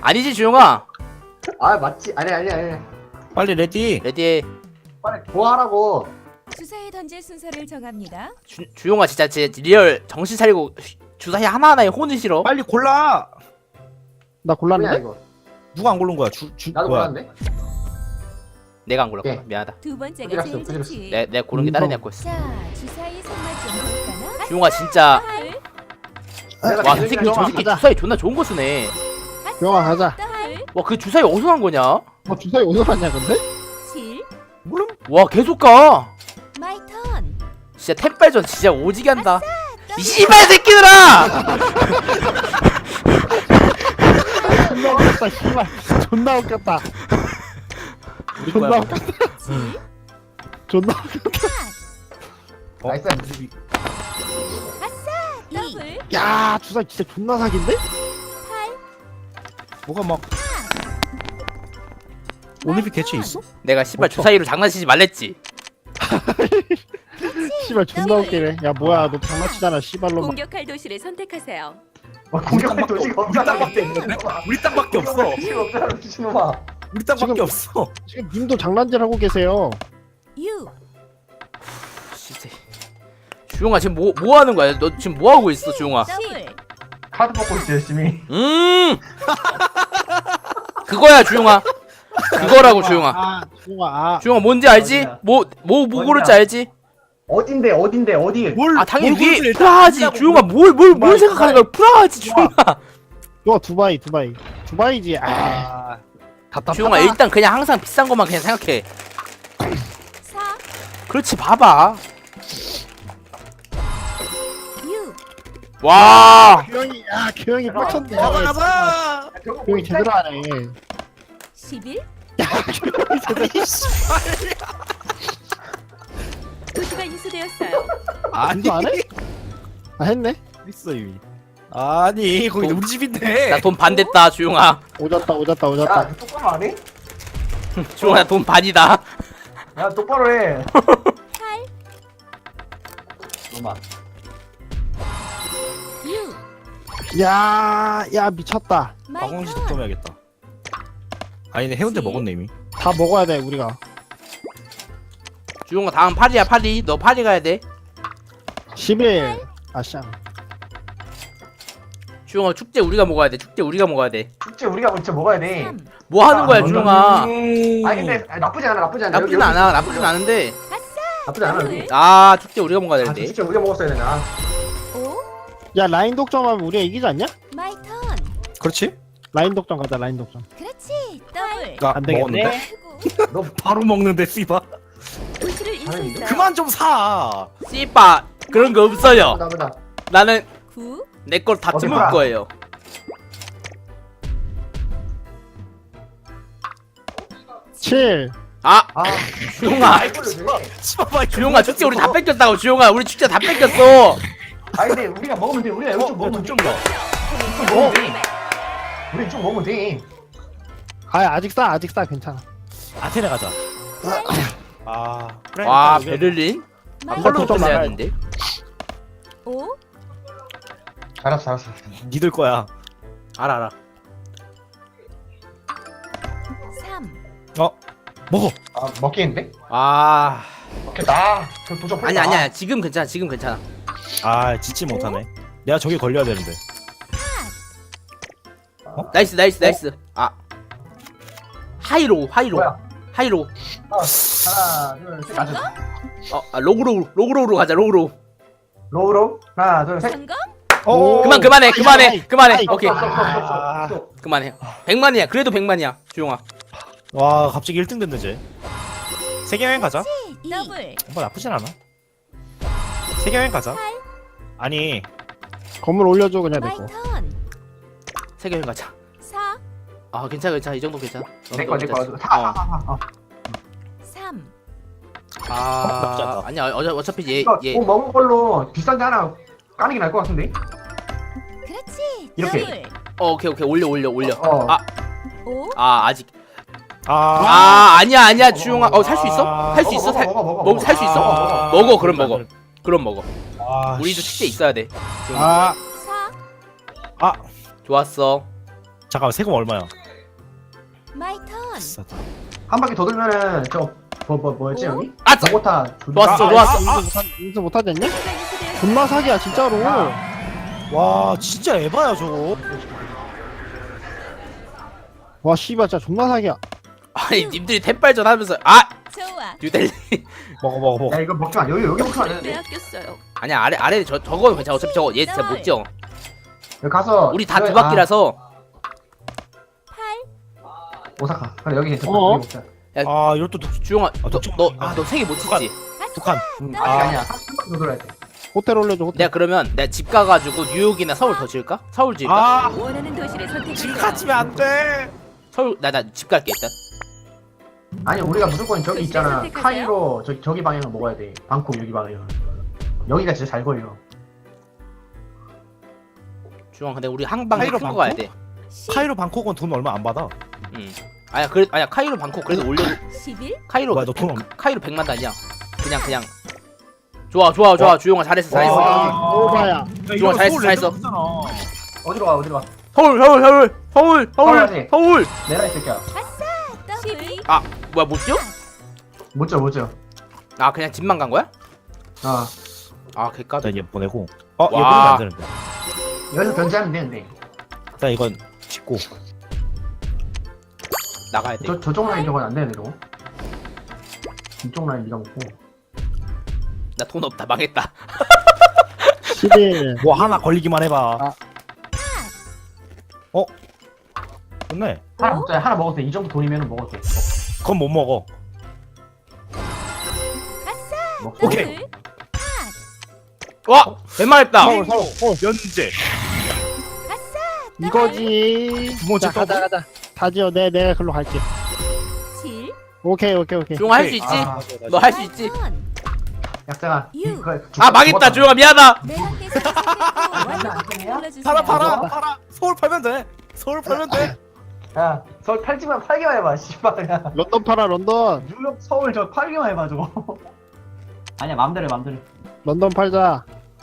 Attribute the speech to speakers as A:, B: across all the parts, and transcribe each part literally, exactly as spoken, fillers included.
A: 아니지 주용아.
B: 아 맞지. 아니 아니 아니.
C: 빨리 레디.
A: 레디.
B: 빨리 고하라고.
D: 주사위 던질 순서를 정합니다.
A: 주, 주용아 진짜 진짜 리얼 정신 차리고 주사위 하나하나에 혼을 실어.
C: 빨리 골라.
B: 뭐야
E: 나 골랐는데?
B: 이거.
C: 누가 안 고른 거야? 주, 주
B: 나도
C: 뭐야?
B: 몰랐네.
A: 내가 안 골랐구나.
B: 네.
A: 미안하다.
D: 두 번째가
B: 어디 갔어?
D: 제일
B: 어디 갔어?
D: 좋지.
A: 내 내가 고른 게 다른 애가 였어.
D: 자, 주사위 손맛 좀 볼까나?
A: 주용아 진짜.
D: 딸,
A: 와,
B: 내가
A: 이 새끼
B: 제일
A: 저 새끼
E: 가자.
A: 주사위 존나 좋은 거 쓰네.
E: 영화 가자.
D: 딸,
A: 와, 그 주사위 어디서 난 거냐?
E: 뭐 주사위 어디서 갔냐 근데?
D: 칠,
C: 물론
A: 와, 계속 가.
D: 마이 턴.
A: 진짜 템빨전 진짜 오지게 한다. 이 씨발 새끼들아!
E: 존나 웃겼다 씨발. 존나 웃겼다.
A: 우리
E: 존나
A: 거야.
E: 웃겼다.
D: 칠,
E: 존나
C: 어?
B: 나이스.
D: 더블,
E: 야 주사위 진짜 존나 사기인데?
D: 팔,
C: 뭐가 막 올림픽 개최 있어?
A: 내가 씨발
E: 없어.
A: 주사위로 장난치지 말랬지.
E: 씨발 존나 웃기네. 야 뭐야 너 장난치잖아 씨발로.
D: 공격할 도시를 선택하세요.
B: 어, 공격할 도시가
C: 우리 땅밖에
B: 없잖아.
C: 없는데? 우리 땅밖에 없어.
B: 도시가 없잖아 미친놈아.
C: 우리 땅밖에
E: 지금-
C: 없어.
E: 지금 님도 장난질 하고 계세요.
D: 유,
A: 진짜. 주용아 지금 뭐 뭐 하는 거야? 너 지금 뭐 하고 있어, 주용아?
D: 더블,
B: 카드 먹고 있지 열심히.
A: 음. 그거야, 주용아. 그거라고 주용아.
E: 아 주영아 아.
A: 주용아 뭔지 알지?
B: 어디야?
A: 뭐 뭐 뭐
B: 어디야?
A: 고를지 알지?
B: 어딘데 어딘데 어디?
C: 뭘?
A: 아 당연히
C: 뭘 고르지,
A: 위에
C: 일단.
A: 프라하지.
C: 아니라고.
A: 주용아 뭘 뭘 뭘
B: 두바이,
A: 생각하는 거야? 프라하지, 주용아.
E: 너 두바이 두바이. 두바이지. 아
C: 아,
E: 답답하다.
A: 주용아 일단 그냥 항상 비싼 것만 그냥 생각해.
D: 사,
A: 그렇지 봐봐.
D: 유,
A: 와.
E: 규영이 야 규영이 빡쳤네.
C: 가자 가자.
E: 규영이 제대로 하네.
D: 십일.
C: 아니 씨발.
D: 도시가 인수되었어요.
C: 아니
E: 인수 안 해? 아 했네.
C: 있어 이미. 아니 거기 우리 집인데.
A: 나 돈 반 됐다, 주용아.
E: 오졌다 오졌다 오졌다.
B: 야 똑바로 안 해?
A: 주용아 돈 반이다.
B: 야 똑바로 해.
D: 팔,
B: 놈아.
D: 유,
E: 야야 미쳤다.
D: 마이
C: 박광식
D: 턴.
C: 득점해야겠다. 아니네 해운대 먹었네 이미.
E: 다 먹어야 돼 우리가.
A: 주용아 다음 파리야 파리. 너 파리 가야 돼.
E: 십일. 아쌍.
A: 주용아 축제 우리가 먹어야 돼. 축제 우리가 먹어야 돼.
B: 축제 우리가 진짜 먹어야 돼.
D: 삼,
A: 뭐 하는 거야,
B: 아,
A: 주용아?
B: 아니 근데 아, 나쁘지 않아 나쁘지 않아.
A: 나쁘진 않아. 나쁘진 않은데.
B: 나쁘지 않아. 여기.
A: 아 축제 우리가 먹어야
B: 아,
A: 되는데.
B: 축제 우리가 먹었어야 되나?
D: 오,
E: 야 라인 독점하면 우리가 이기지 않냐?
D: 마이 턴.
C: 그렇지?
E: 라인 독점 가자 라인 독점.
D: 그렇지. 더블.
C: 나
E: 안 되겠네.
C: 먹었는데.
D: 크고.
B: 너
C: 바로 먹는데 씨바.
D: 도시를 인수했어요.
C: 그만 좀 사.
A: 씨바 그런 거 없어요.
B: 나보다.
A: 나는
D: 구,
A: 내 걸 다
B: 어디
A: 뜯을
B: 봐.
A: 거예요.
E: 칠.
A: 아
B: 아
A: 주용아.
C: 씨발
A: 주용아 축제 우리 다 뺏겼다고. 주용아 우리 축제 다 뺏겼어.
B: 아니 근데 우리가 먹으면 돼. 우리가 여기 좀 먹으면 돼.
C: 좀 더.
B: 좀 먹으면 돼. 우리 좀 먹으면 돼.
E: 아 아직 싸 아직 싸 괜찮아.
C: 아테네 가자. 아 그래.
A: 와
C: 일단 여기-
A: 베를린?
D: 마이
E: 번
A: 펄로
E: 더
D: 턴.
A: 끝내야
E: 나가야
A: 되는데.
D: 오,
B: 알았어 알았어.
C: 니들 거야.
A: 알아 알아.
D: 삼,
C: 어 먹어.
B: 아 먹겠는데?
A: 아
B: 먹겠다. 저 도전
A: 아니 아니야 지금 괜찮아 지금 괜찮아.
C: 아 짓지 못하네. 내가 저기 걸려야 되는데.
A: 나이스 나이스 나이스. 아 하이로 하이로
B: 뭐야?
A: 하이로.
B: 어, 하나 둘셋 가자.
A: 어 아, 로그로 로그로로 가자 로그로.
B: 로우로 하나 둘셋.
D: 성공.
C: 오.
A: 그만 그만해 그만해
E: 아이,
A: 그만해.
E: 아이,
A: 오케이
C: 아.
A: 그만해. 백만이야 그래도 백만이야 주용아.
C: 와 갑자기 일 등 됐네 쟤. 세계 여행 가자.
D: 이, 더블.
C: 뭐 나쁘진 않아. 세계 여행 가자.
D: 팔,
C: 아니
E: 건물 올려줘 그냥
D: 마이
E: 내거.
D: 턴.
A: 세계여행 가자.
D: 사,
A: 아 괜찮아 괜찮아 이 정도 괜찮아. 어,
B: 내거 내거.
A: 괜찮지. 어.
B: 하하하하.
D: 삼,
C: 나쁘지
A: 아
C: 않다.
A: 아니야 어, 어차피
B: 이거
A: 얘얘
B: 뭐 먹은 걸로 비싼 데 하나 까는 게 나을 것 같은데?
D: 그렇지.
B: 이렇게.
D: 더블.
A: 어 오케이 오케이 올려 올려 올려.
B: 어.
A: 아,
D: 오,
A: 아 아직
C: 아,
A: 아 아니야 아니야 주용아 어 살 수 있어? 살 수 있어? 살
B: 먹어 먹어
A: 먹 살 수 있어?
C: 아,
A: 먹어 그럼 먹어 그럼 먹어.
C: 아,
A: 우리도
C: 씨.
A: 축제 있어야 돼.
E: 아
D: 사,
C: 아
A: 좋았어.
C: 잠깐만 세금 얼마야?
D: 마이 턴.
C: 비싸다.
B: 한 바퀴 더 돌면은 저거 뭐, 뭐, 뭐였지
D: 오?
B: 여기?
A: 아, 저-
B: 저거타
A: 좋았어, 좋았어.
E: 인수 못하 인수 못하지 않냐? 존나 사기야 진짜로.
C: 와 진짜 에바야 저거.
E: 와 씨발 진짜 존나 사기야.
A: 아니 님들이 템빨전 하면서 아
D: 좋아.
A: 뉴델리.
C: 먹어 먹어 먹어.
B: 야 이거 먹지 마 여기 여기 먹지 마 여기
D: 빼앗겼어요.
A: 아니야 아래 아래 저 저거는 괜찮아. 어차피 저거 얘 진짜 못 지어.
B: 가서
A: 우리 다
B: 저기-
A: 두 바퀴라서.
D: 팔.
B: 아, 오사카 그래 여기 괜찮아
E: 어?
B: 여기 먹자
C: 아 이럴 또
A: 주영아
C: 아, 독점.
A: 너너아너 세 개 못 치지.
C: 북한.
B: 응,
D: 아.
B: 아니 아니야 한 바퀴 더 돌아야 돼
E: 호텔 올려줘 호텔.
A: 내가 그러면 내가 집 가가지고 뉴욕이나 서울 더 지을까? 서울 지을까?
C: 아
D: 원하는 도시를
C: 지금
D: 선택해요.
C: 갇히면 안 돼.
A: 서울 나 나 집 갈게 일단.
B: 아니 우리가 무조건 저기
D: 도시를
B: 있잖아
D: 선택하세요?
B: 카이로 저기 저기 방향을 먹어야 돼 방콕 여기 방향 여기가 진짜 잘 걸려
A: 주영아 근데 우리 항방
C: 카이로
A: 큰거
C: 방콕?
A: 가야 돼.
D: 십.
C: 카이로 방콕은 돈 얼마 안 받아.
A: 응. 아야 그래 아야 카이로 방콕 그래도 올려.
D: 십일.
A: 카이로
C: 뭐야, 너돈 없-
A: 카이로 백만 단이야. 그냥 그냥. 좋아 좋아 좋아 주영아 잘했어 잘했어.
C: 와.
E: 오바야.
A: 좋아, 잘했어, 잘했어.
B: 어디로 가 어디로 가
A: 서울 서울 서울 서울 서울
B: 가야지.
A: 서울.
B: 내라 이 새끼야
D: 십이.
A: 아 뭐야 못 지어?
B: 못져 못져
A: 아 그냥 집만 간 거야?
B: 어
A: 아 개까.
C: 일단 얘 보내고. 어 얘
A: 와.
C: 보내면 안 되는데.
B: 여기서 견제하면 되는데
C: 일단 이건 짓고.
A: 나가야 돼.
B: 저, 저쪽 라인 저건 안 되네 저거 이쪽 라인 네가 먹고
A: 나 돈 없다 망했다.
E: 십일.
C: 뭐 하나 걸리기만 해봐.
E: 아.
C: 어? 좋네.
B: 하나
D: 어?
B: 먹자 하나 먹어도 돼이 정도 돈이면 먹어도 돼
C: 그건 못 먹어.
B: 먹고
C: 오케이.
D: 더블.
A: 와 웬만했다.
E: 서울 서울 서울.
C: 연재.
E: 이거지.
C: 두 번째
E: 자, 가자
C: 더블?
E: 가자. 다 지어. 내 내가 글로 갈게.
D: 칠.
E: 오케이 오케이 오케이.
A: 주영아 할 수 있지?
B: 아,
A: 너 할 수 있지?
B: 약자가
D: 유.
A: 아 망했다 주영아 미안하다.
D: 내 함께 선택했고 완전
B: 아니야?
D: 눌러주세요.
C: 팔아 팔아 팔아. 서울 팔면 돼. 서울 팔면 돼.
B: 야 서울 팔지만 팔기만 해봐 씨발 야
E: 런던 팔아 런던.
B: 뉴욕 서울 저 팔기만 해봐 저거 아니야 맘대로 해, 맘대로
E: 런던 팔자.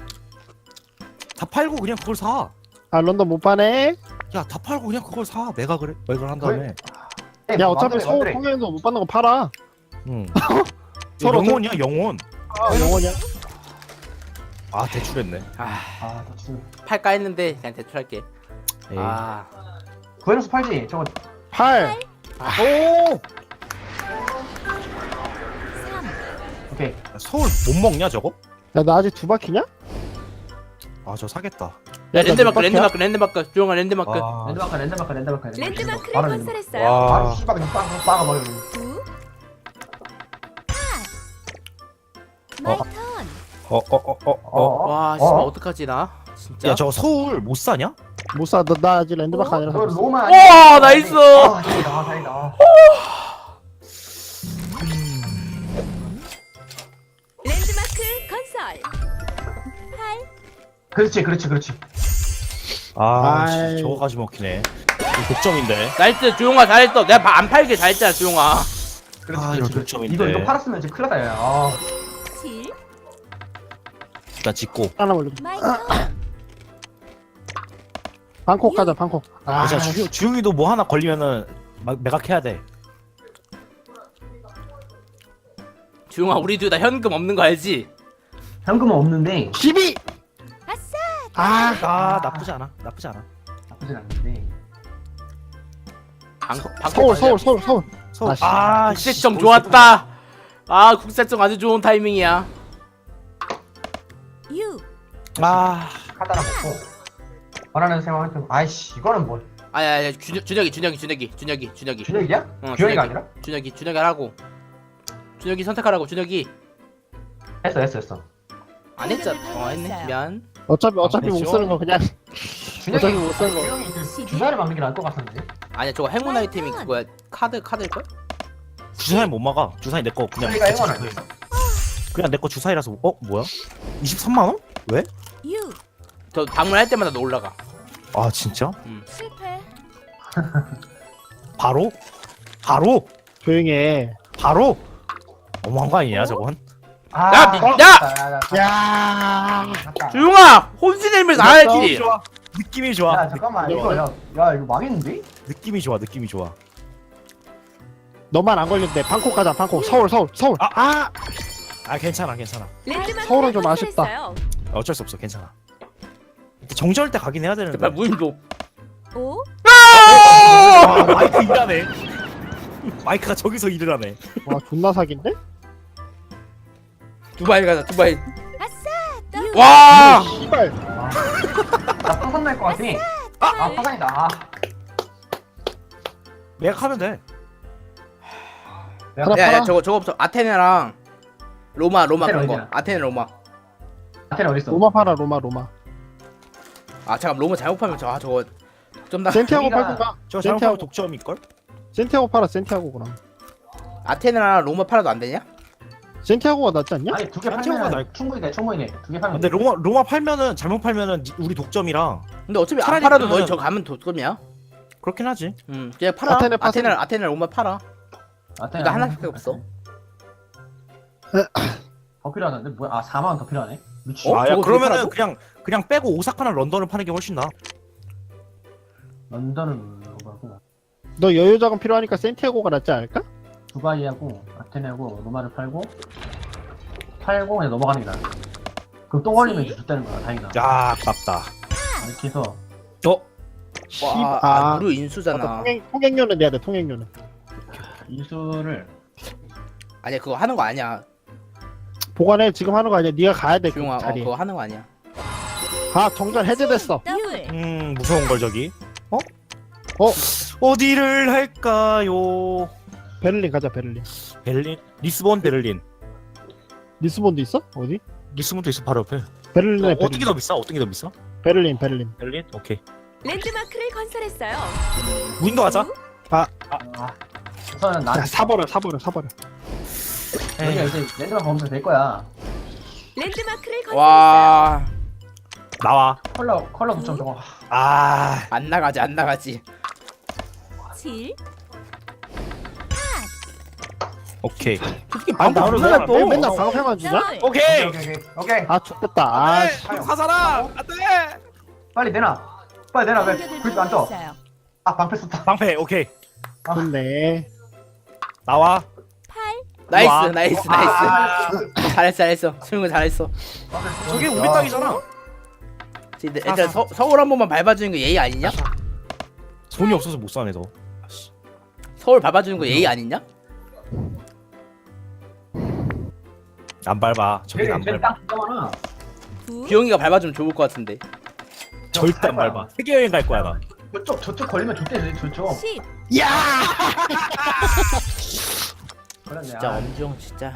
C: 다 팔고 그냥 그걸 사.
E: 아 런던 못 파네.
C: 야 다 팔고 그냥 그걸 사. 내가 그래. 매걸 한 다음에.
B: 해.
E: 야 어차피
B: 맘대로 해,
E: 서울
B: 맘대로 해.
E: 통영에서 못 받는 거 팔아.
C: 응.
E: 서로
C: 영혼이야 영혼.
E: 아 영원이야.
C: 아 대출했네.
A: 아
B: 아 진짜
A: 팔까 했는데 그냥 대출 할게.
C: 에이.
A: 아
B: 구해놓서 팔지 저거
E: 팔.
C: 오.
D: 삼.
B: 오케이
C: 야, 서울 못 먹냐 저거?
E: 야 나 아직 두 바퀴냐?
C: 아 저 사겠다.
A: 야,
E: 나
A: 랜드마크
E: 몇 바퀴야?
A: 랜드마크 랜드마크 주영아 랜드마크.
C: 아.
B: 랜드마크 랜드마크 랜드마크
D: 랜드마크를
B: 바로
D: 건설했어요.
C: 와.
B: 바로 씨발 그냥 빠가 빠가 버려
D: 구. 마이 턴.
C: 어 어 어 어 어.
A: 와 씨발 어떡하지 나 진짜.
C: 야 저거 서울 못 사냐?
E: 못 사. 너, 나 아직 랜드마크
D: 어?
E: 아니라서.
B: 너
E: 못 사.
B: 로마
A: 와, 나이스!
B: 아 다행이다 다행이다
D: 랜드마크 건설. 팔.
B: 그렇지 그렇지 그렇지
C: 아
E: 아이.
C: 씨, 저거까지 먹히네. 이거 독점인데.
A: 나이스 주영아 잘했어. 내가 바- 안 팔게 잘했잖아 주영아.
B: 그렇지
C: 아, 이거
B: 그렇지 그렇지
C: 독점인데.
B: 이거 이거 팔았으면 이제 큰일 났다 야 아,
D: 칠.
C: 일단 짓고.
E: 하나 올려.
D: 마이 턴.
E: 방콕 가자 방콕.
B: 아,
C: 자 주, 주영이도 뭐 하나 걸리면은 막 매각해야 돼.
A: 주영아 우리 둘 다 현금 없는 거 알지?
B: 현금은 없는데
E: 십이.
D: 아싸.
E: 아.
C: 아 나쁘지 않아. 나쁘지 않아.
B: 나쁘진 않는데
A: 방콕 방콕
E: 서울
A: 가자.
E: 서울 서울 서울.
C: 서울.
E: 아, 씨.
C: 아
A: 국세청 좋았다. 아 국세청 아주 좋은 타이밍이야.
D: 유.
C: 아
B: 카드 하나 먹고 원하는 생활 아이씨 이거는 뭐
A: 아야야 준혁이 준혁이 준혁이 준혁이 준혁이 준혁이
B: 준혁이야?
A: 어,
B: 규현이가 아니라?
A: 준혁이 준혁이 하라고. 준혁이 선택하라고 준혁이.
B: 했어 했어 했어
A: 안 했잖아. 어 했네. 미안.
E: 어차피 어차피 못
C: 그렇죠.
E: 쓰는 거 그냥.
B: 준혁이
E: 어차피 못 쓰는 거.
B: 규현이 그 주사를 막는 게 나을 것 같았는데
A: 아니야 저거 행운 아이템이 그거야. 카드 카드일 걸?
C: 주사위 못 막아. 주사위 내 거 그냥.
B: 준혁이가
C: 개체
B: 행운
C: 주사위.
B: 아니야
C: 그냥 내 거 주사위라서. 어 뭐야? 이십삼만 원? 왜?
D: 유.
A: 저 방문할 때마다 너 올라가.
C: 아 진짜?
D: 실패.
C: 바로? 바로?
E: 조용히 해.
C: 바로? 너무한 거 아니냐 저건?
B: 아,
A: 야, 미-
B: 어?
A: 야!
B: 나, 나, 나,
E: 야.
B: 갔다.
A: 주영아 혼신의 힘을
C: 어,
A: 나야지.
C: 좋아. 느낌이 좋아.
B: 야 잠깐만
C: 느낌이
B: 이거
C: 좋아.
B: 야, 야 이거 망했는데?
C: 느낌이 좋아. 느낌이 좋아.
E: 너만 안 걸린대. 방콕 가자. 방콕. 서울 서울 서울.
C: 아, 아, 아 괜찮아, 괜찮아.
D: 랜드마크를
E: 서울은 좀 아쉽다.
D: 건설했어요.
C: 어쩔 수 없어, 괜찮아. 정절 때 가긴 해야 되는데.
A: 제발 무인 좀.
D: 오,
C: 아, 마이크 일하네. 마이크가 저기서 일을 하네.
E: 와 존나 사기인데?
A: 두바이 가자 두바이.
D: 아싸.
A: 와.
E: 씨발.
B: 나 파산 날것 같아. 아, 아 파산이다. 아,
C: 예약하면 돼.
E: 하나
A: 야야
E: 팔아.
A: 저거 저거부터 아테네랑 로마 로마
B: 아테네
A: 그런 거.
B: 어디야?
A: 아테네 로마.
B: 아테네 어딨어?
E: 로마 팔아. 로마 로마.
A: 아 잠깐 로마 잘못 팔면 저 아 저거 좀 나.
E: 센티아고
B: 여기가-
E: 팔던가.
C: 저
E: 센티아고
C: 잘못하면 독점일걸?
E: 센티아고 팔아. 센티아고 그럼.
A: 아테네랑 로마 팔아도 안 되냐?
E: 센티아고가 낫지 않냐?
B: 아니 두 개
C: 산티아고가
B: 팔면
C: 날-
B: 충분히 돼. 충분히 돼. 두 개 팔면
C: 근데
B: 돼.
C: 로마 로마 팔면은 잘못 팔면은 니- 우리 독점이랑
A: 근데 어차피 안
C: 차라리
A: 팔아도
C: 그러면-
A: 너희 저 가면 독점이야.
C: 그렇긴 하지.
A: 응 그냥 팔아.
E: 아테네 파세-
A: 아테네 아테네 로마 팔아.
B: 아테네
A: 나 하나밖에 없어.
B: 더 필요하는데 뭐야? 아 사만 원 더 필요하네. 미친.
A: 어?
C: 아, 야,
A: 저거
C: 그러면은
A: 그렇게
C: 그냥 그냥 빼고 오사카나 런던을 파는 게 훨씬 나.
B: 런던은 로마고
E: 너 여유 자금 필요하니까 센티아고가 낫지 않을까?
B: 두바이하고 아테네하고 로마를 팔고 팔고 그냥 넘어가는 게 나아. 그럼 또 걸리면 이제 줬다는 거야. 다행이다.
C: 야, 아깝다.
B: 이렇게 해서
C: 어?
E: 씨발.
A: 와, 아,
E: 아,
A: 무료 인수잖아.
E: 통행 통행료는 내야 돼. 통행료는.
B: 인수를
A: 아니야 그거 하는 거 아니야.
E: 보관해. 지금 하는 거 아니야. 네가 가야 돼. 그
A: 조용아, 어,
E: 자리에.
A: 그거 하는 거 아니야.
E: 아 정전 해제됐어.
D: 더블.
C: 음, 무서운 걸 저기. 어?
E: 어?
C: 어디를 할까요?
E: 베를린 가자. 베를린.
C: 베를린, 리스본, 베를린.
E: 리스본도 있어? 어디?
C: 리스본도 있어 바로 옆에.
E: 베를린에
C: 어,
E: 베를린.
C: 어떻게 더 비싸? 어떻게 더 비싸?
E: 베를린 베를린.
C: 베를린? 오케이.
D: 랜드마크를 건설했어요.
C: 무인도 하자.
B: 아 우선은 난
E: 야 사버려 사버려 사버려.
B: 여기가 이제 랜드만 검색 될 거야.
D: 랜드마크를 건설했어요.
A: 와,
C: 나와.
B: 컬러 컬러 붙여 저거.
C: 아,
A: 안 나가지, 안 나가지.
D: 칠.
C: 오케이.
A: 솔직히
E: 아
A: 방금
E: 나를
A: 누나
E: 왜,
A: 또.
E: 왜 맨날 방패만 주냐?
D: 더블.
C: 오케이.
B: 오케이 오케이 오케이.
E: 아 좋겠다. 아 씨.
B: 아유.
C: 화살아. 안돼.
B: 빨리 내놔. 빨리 내놔. 왜 불빛 안 떠?
D: 있어요.
B: 아 방패 썼다.
C: 방패. 오케이.
E: 좋네.
C: 나와.
D: 팔.
A: 나이스,
C: 와.
A: 나이스, 나이스.
B: 아,
A: 잘했어, 잘했어. 수영이 잘했어.
C: 저게 우리 땅이잖아.
A: 근데 일단 서, 서울 한 번만 밟아주는 거 예의 아니냐?
C: 돈이 없어서 못 사네 너.
A: 서울 밟아주는 거 예의 아니냐?
C: 안 밟아. 저기 안
B: 쟤
C: 밟아.
B: 땅 진짜 많아.
D: 구.
A: 기영이가 밟아주면 좋을 것 같은데.
C: 절대 안 밟아. 세계 여행 갈 거야 나.
B: 저쪽 저쪽 걸리면 좋대 저쪽.
D: 십.
B: 걸렸네.
A: 진짜
B: 아,
A: 엄지영 진짜.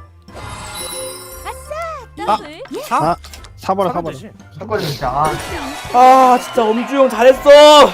D: 더블.
C: 사?
E: 사버려
C: 사면
E: 사버려.
C: 되지.
B: 저 걸리면 진짜 아.
A: 아, 진짜 엄지영 잘했어.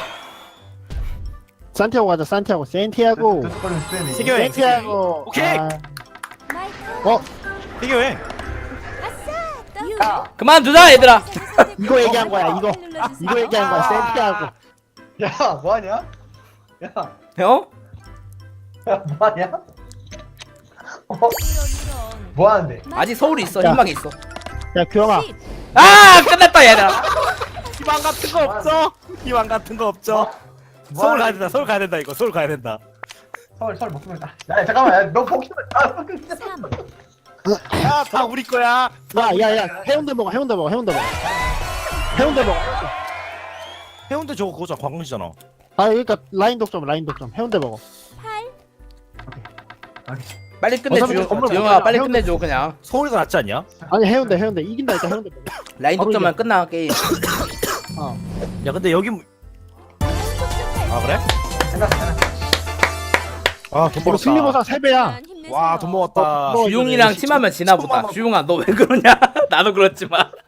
E: 산티아고 가자. 산티아고. 센티아고.
B: 저쪽 걸리면 쓰네.
C: 세계 여행.
E: 센티아고.
C: 오케이.
E: 아,
D: 마이크.
E: 어
C: 세계 여행.
D: 아싸. 더블.
B: 야,
A: 그만두자 얘들아.
E: 이거 얘기한 거야. 이거 이거 얘기한 거야. 센티아고.
B: 야 뭐하냐? 야,
A: 어?
B: 야 뭐하냐? 어?
D: 이런 이런.
B: 뭐하는데?
A: 아직 서울이 있어.
E: 야.
A: 희망이 있어.
E: 야 규영아.
D: 십.
A: 아, 끝났다 얘들아.
C: 희망 같은 거 없어. 희망 같은 거 없죠. 서울 가야 된다. 서울 가야 된다 이거. 서울 가야 된다.
B: 서울 서울 먹으면 다. 야 잠깐만, 야, 너 포기만. 아, 포기만.
D: 삼.
C: 야, 다 우리 거야.
E: 야야야 해운대 먹어. 해운대 먹어. 해운대 먹어. 해운대 먹어.
C: 해운대 저거 그거잖아. 관광지잖아.
E: 아 그러니까 라인 독점 라인 독점. 해운대 먹어.
D: 팔.
A: 빨리 끝내
E: 어차피
A: 주영.
E: 건물
A: 주영아
E: 못
A: 빨리
E: 가잖아.
A: 끝내줘 그냥.
C: 서울이 더 낫지 않냐?
E: 아니 해운대 해운대 이긴다니까 해운대 먹어.
A: 라인
E: 바로
A: 독점만
E: 이겨.
A: 끝나 게임.
E: 어.
C: 야, 근데 여기 아 그래?
B: 생각 생각.
C: 아, 돈
E: 이거
C: 벌었다.
E: 승리보상 세 배야.
C: 와, 돈 먹었다.
E: 어,
A: 주용이랑
E: 이거
A: 팀하면 지나 보다.
C: 천만 원.
A: 주용아 너 왜 그러냐? 나도 그렇지만.